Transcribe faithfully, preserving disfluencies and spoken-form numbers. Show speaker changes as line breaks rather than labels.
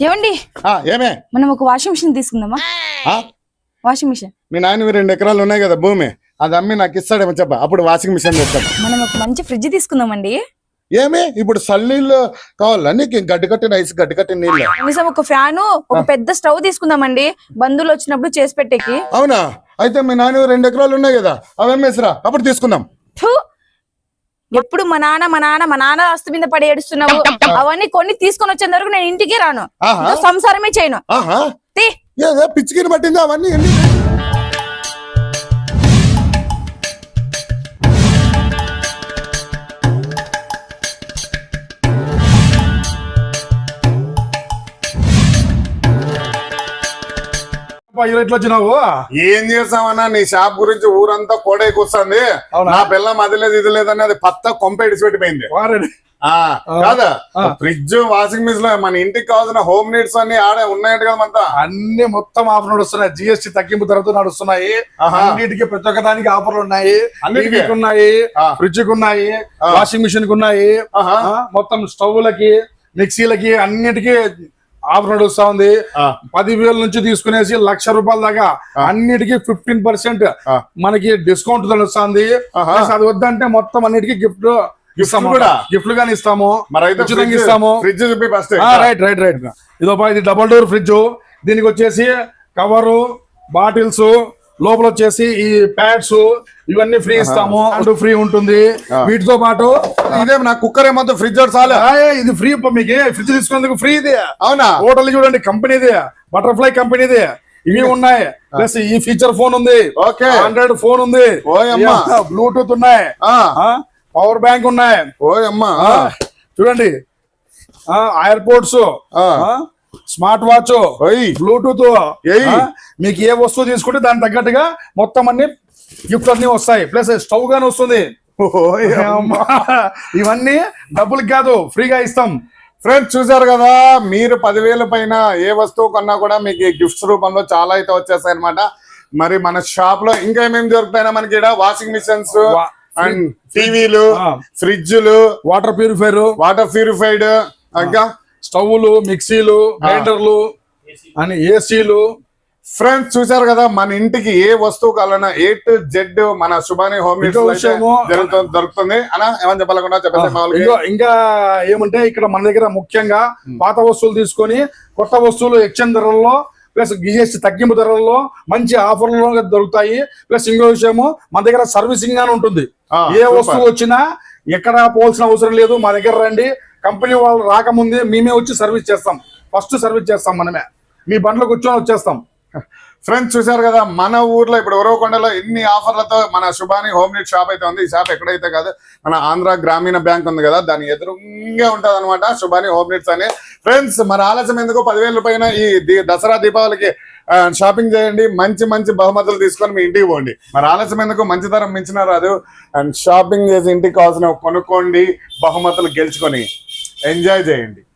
ఏమండి
ఏమే
మనం ఒక వాషింగ్ మిషన్ తీసుకుందామా? వాషింగ్ మిషన్
మీ నాయన రెండు ఎకరాలు ఉన్నాయి కదా భూమి, అది అమ్మి నాకు ఇస్తాడేమో చెప్ప, అప్పుడు వాషింగ్ మిషన్ తెస్తాం.
మనం ఒక మంచి ఫ్రిడ్జ్ తీసుకుందామండి.
ఏమే ఇప్పుడు సల్లీళ్ళు కావాలా నీకు? గడ్డి కట్టిన ఐస్, గడ్డి కట్టిన నీళ్ళు.
కనీసం ఒక ఫ్యాను, ఒక పెద్ద స్టవ్ తీసుకుందామండి, బంధువులు వచ్చినప్పుడు చేసి పెట్టేకి.
అవునా? అయితే మీ నాన్న రెండు ఎకరాలు ఉన్నాయి కదా, అవి అమ్మేసిరా, అప్పుడు తీసుకుందాం.
ఎప్పుడు మా నాన్న మా నాన్న మా నాన్న ఆస్తి మీద పడి ఏడుస్తున్నావు. అవన్నీ కొన్ని తీసుకొని వచ్చేంత వరకు నేను ఇంటికి రాను, సంసారమే చేయను.
పిచ్చికిని పట్టింది అవన్నీ.
వచ్చినావు
ఏం చేస్తామన్నా, నీ షాప్ గురించి ఊరంతా కోడైకొస్తుంది. నా పిల్ల అది లేదు ఇది లేదని అది పత్త కొంప ఇడిచి పెట్టిపోయింది కాదా. ఫ్రిడ్జ్, వాషింగ్ మిషన్ మన ఇంటికి కావాల్సిన హోమ్ నీడ్స్ అన్ని ఆడే ఉన్నాయంట కదా. అంతా
అన్ని మొత్తం ఆఫర్ నడుస్తున్నాయి. జిఎస్టీ తగ్గింపు ధరతో నడుస్తున్నాయి. అన్నిటికీ ప్రతి ఒక్క దానికి ఆఫర్లు ఉన్నాయి. అన్నిటికి ఉన్నాయి, ఫ్రిడ్జ్ కు ఉన్నాయి, వాషింగ్ మిషన్ కు ఉన్నాయి, మొత్తం స్టవ్లకి, మిక్సీలకి అన్నిటికీ ఆఫర్ నడుస్తా ఉంది. పదివేల నుంచి తీసుకునేసి లక్ష రూపాయల దాకా అన్నిటికీ ఫిఫ్టీన్ పర్సెంట్ మనకి డిస్కౌంట్ నడుస్తుంది. అది వద్దంటే మొత్తం అన్నిటికీ గిఫ్ట్ ఇస్తాము, గిఫ్ట్లు గానీ ఇస్తాము, ఉచితంగా ఇస్తాము. రైట్ రైట్ రైట్ ఇదో ఇది డబుల్ డోర్ ఫ్రిడ్జ్. దీనికి వచ్చేసి కవరు, బాటిల్స్, లోపల వచ్చేసి ఈ ప్యాడ్స్ ఇవన్నీ ఫ్రీ ఇస్తాము. అంటూ ఫ్రీ ఉంటుంది. వీటితో పాటు
ఇదే నా కుక్కర్ ఏమో ఫ్రిడ్జ్ చాలా
ఇది ఫ్రీ. మీకు ఫ్రిడ్జ్ తీసుకునేందుకు ఫ్రీ ఇది.
అవునా?
హోటల్ చూడండి, కంపెనీది, బటర్ఫ్లై కంపెనీది. ఇవి ఉన్నాయి. ప్లస్ ఈ ఫీచర్ ఫోన్ ఉంది, ఆండ్రాయిడ్ ఫోన్ ఉంది, బ్లూటూత్ ఉన్నాయి, పవర్ బ్యాంక్ ఉన్నాయి.
ఓయమ్మా
చూడండి, ఎయిర్పోర్ట్స్, స్మార్ట్ వాచ్, బ్లూటూత్, మీకు ఏ వస్తువు తీసుకుంటే దానికి తగ్గట్టుగా మొత్తం అన్ని గిఫ్ట్ అన్ని వస్తాయి. ప్లస్ స్టవ్ గానీ వస్తుంది. ఇవన్నీ డబ్బులకి కాదు, ఫ్రీగా ఇస్తాం.
ఫ్రెండ్స్ చూసారు కదా, మీరు పదివేల పైన ఏ వస్తువు కొన్నా కూడా మీకు గిఫ్ట్స్ రూపంలో చాలా అయితే వచ్చేస్తాయి అనమాట. మరి మన షాప్ లో ఇంకా ఏమేమి దొరుకుతాయినా మనకి ఇక్కడ వాషింగ్ మిషన్స్ అండ్ టీవీలు, ఫ్రిడ్జ్లు,
వాటర్ ప్యూరిఫైర్,
వాటర్ ప్యూరిఫైడ్, ఇంకా
స్టవ్లు, మిక్సీలు, గ్రైండర్లు అని ఏసీలు.
ఫ్రెండ్స్ చూసారు కదా, మన ఇంటికి ఏ వస్తువు కావాలన్నా ఏ టు జెడ్ మన శుభాని హోమ్ దొరుకుతుంది. అనా ఏమని చెప్పాలకుండా చెప్పండి.
ఇంకా ఏమంటే ఇక్కడ మన దగ్గర ముఖ్యంగా పాత వస్తువులు తీసుకొని కొత్త వస్తువులు ఎక్స్చేంజ్ ధరల్లో, ప్లస్ జిఎస్టీ తగ్గింపు ధరల్లో మంచి ఆఫర్లు దొరుకుతాయి. ప్లస్ ఇంకో విషయము, మన దగ్గర సర్వీసింగ్ గానే ఉంటుంది. ఏ వస్తువు వచ్చినా ఎక్కడ పోవాల్సిన అవసరం లేదు. మా దగ్గర రండి, కంపెనీ వాళ్ళు రాకముందే మేమే వచ్చి సర్వీస్ చేస్తాం. ఫస్ట్ సర్వీస్ చేస్తాం మనమే. మీ బండ్లో కూర్చొని వచ్చేస్తాం.
ఫ్రెండ్స్ చూసారు కదా, మన ఊర్లో ఇప్పుడు ఉరవకొండలో ఎన్ని ఆఫర్లతో మన శుభాని హోమ్ నీడ్ షాప్ అయితే ఉంది. ఈ షాప్ ఎక్కడైతే కాదు, మన ఆంధ్ర గ్రామీణ బ్యాంక్ ఉంది కదా, దాని ఎదురుగా ఉంటది అనమాట శుభాని హోమ్ నీడ్స్ అని. ఫ్రెండ్స్ మరి ఆలస్యం ఎందుకు, పదివేల పైన ఈ దసరా దీపావళికి షాపింగ్ చేయండి. మంచి మంచి బహుమతులు తీసుకొని మీ ఇంటికి పోండి. మరి ఆలస్యం ఎందుకు, మంచి ధరం మించిన రాదు. అండ్ షాపింగ్ చేసి ఇంటికి కావాల్సిన కొనుక్కోండి, బహుమతులు గెలుచుకొని ఎంజాయ్ చేయండి.